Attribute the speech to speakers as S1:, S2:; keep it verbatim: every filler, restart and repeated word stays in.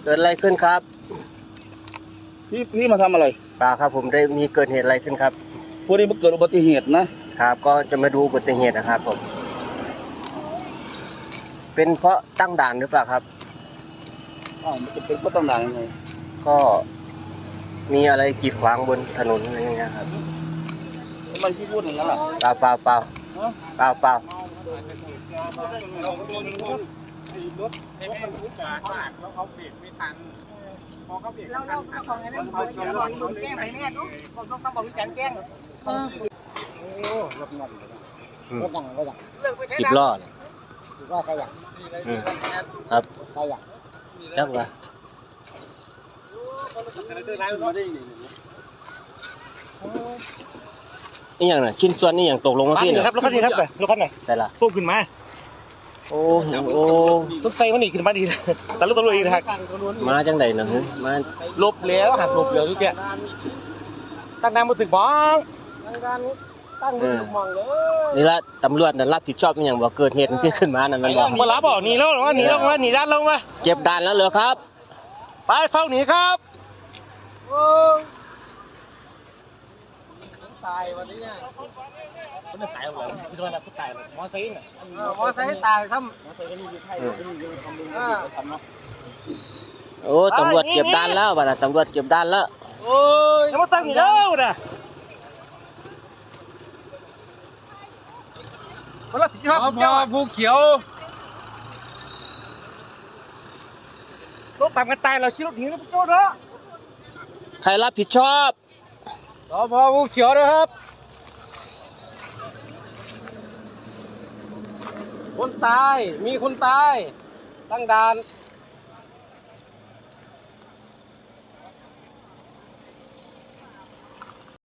S1: เกิดอะไรขึ้นครับ
S2: พี่พี่มาทำอะไร
S1: เปล่าครับผมได้มีเกิดเหตุอะไรขึ้นครับ
S2: พวกนี้มันเกิดอุบัติเหตุนะครับ
S1: ก็จะมาดูอุบัติเหตุนะครับผมเป็นเพราะตั้งด่านหรือเปล่าครับ
S2: อ้าวมันจะเป็นเพราะตั้งด่านยังไง
S1: ก็มีอะไรกีดขวางบนถนนอะไรอย่างเงี้ยครับ
S2: ทำไมพี่พูดอย่างนั้นล่ะ
S1: เปล่าเปล่าเปล่าเปล่าเปล่า
S3: รถให้มันรู้จักว่าแล้วเขาเบรกไม่ทันพอเขาเบรกไม่ทันเขาแก้งไปแน่ลูกต้องต้องบอกวิจารณ์แก้งโอ้รถนั่นรถนั่งรถนั่ง
S1: สิบล้อเลย
S3: สิบล้อใช่ยัง
S1: ครับ
S3: ใช่ยัง
S1: จังวะนี่อย่างน่ะชิ้นส่วนนี่อย่างตกลงมาพี่เนี่ย
S4: ครับรถคันนี้ครับรถคันไหน
S1: แต่ละ
S4: พุ่งขึ้นมา
S1: โอ้โหโอ้
S4: รถไฟมันหนีขึ้นมาดีแต่รถตำรวจอีกนะครับ
S1: มาจังใดนะมา
S4: หลบแล้วหักหลบแล้วทุกแกตั้งน้ำมาถึงบ้อง
S3: ตั้งมือมองเลย
S1: นี่ละตำรวจนั่นรับผิดชอบอย่างว่าเกิดเหตุที่ขึ้นมานั่นมันบอก
S4: มารับบอกหนีแล้วหรอว่าหนีแล้วว่าหนีด้านลงมา
S1: เก็บด่านแล้วเหรอครับ
S4: ไปเฝ้าหนีครับ
S3: ตายวันนี้เนี่ย
S4: มันจะตายหรอคือว่าเราตายมอไซค์เนี่ย
S3: มอไซค์ตายครับ
S4: มอไซค์ก็นี่อยู่ไทยก็นี่อยู่ทำเองทำเนาะ
S1: โอ้ตำรวจเก็บด่านแล้วบ้านะตำรวจเก็บด่านแล้ว
S4: โอ้ยจะมาตั้งอยู่แล้วนะมาละพี่ครับ
S3: พอภูเขียว
S4: รถตามกันตายเราชี้รถหนีแล้วพี่โจ้เนาะ
S1: ใครรับผิดชอบ
S3: สพภูเขียวนะครับคนตายมีคนตายตั้งด่าน